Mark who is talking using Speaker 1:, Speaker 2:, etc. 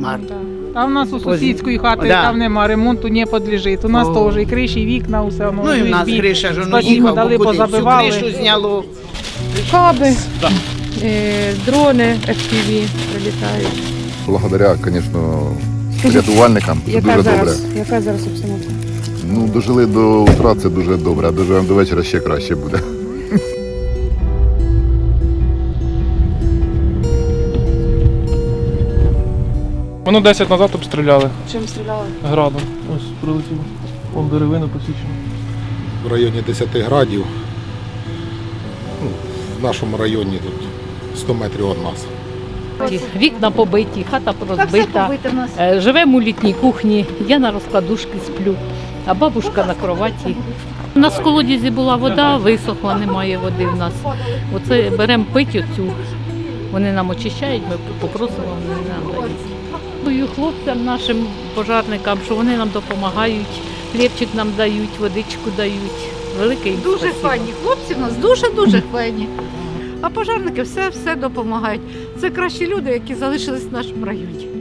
Speaker 1: кошмар.
Speaker 2: А в нас у сусідської хати
Speaker 1: Да.
Speaker 2: там нема, ремонту не підлежить. У нас
Speaker 1: О.
Speaker 2: теж і криші, і вікна, усе воно.
Speaker 1: Ну і в нас
Speaker 2: USB.
Speaker 1: криша ж воно
Speaker 2: Спасибо,
Speaker 1: їхав,
Speaker 2: дали,
Speaker 1: бо куди? Всю
Speaker 2: позабивали.
Speaker 1: кришу зняло.
Speaker 3: Каби, дрони FPV прилітають.
Speaker 4: Благодаря, звісно, рятувальникам це дуже добре.
Speaker 3: Яка зараз обстановка?
Speaker 4: Ну, дожили до утра, це дуже добре, а доживемо до вечора ще краще буде.
Speaker 5: Воно 10 назад обстріляли
Speaker 3: Чим стріляли?
Speaker 5: градом. Ось прилетіло. Вон деревина посічена.
Speaker 6: В районі 10 градів. Ну, в нашому районі тут 100 метрів від нас.
Speaker 7: Вікна побиті, хата розбита. Живемо у літній кухні, я на розкладушці сплю, а бабушка на кроваті. У нас в колодязі була вода, висохла, немає води в нас. Оце беремо пить оцю, вони нам очищають, ми попросимо, вони нам дають. Дякую хлопцям, нашим пожарникам, що вони нам допомагають, хлібчик нам дають, водичку дають. Велике їм
Speaker 8: Дуже
Speaker 7: спасибо.
Speaker 8: файні хлопці в нас, дуже файні. А пожарники все допомагають. Це кращі люди, які залишились в нашому районі.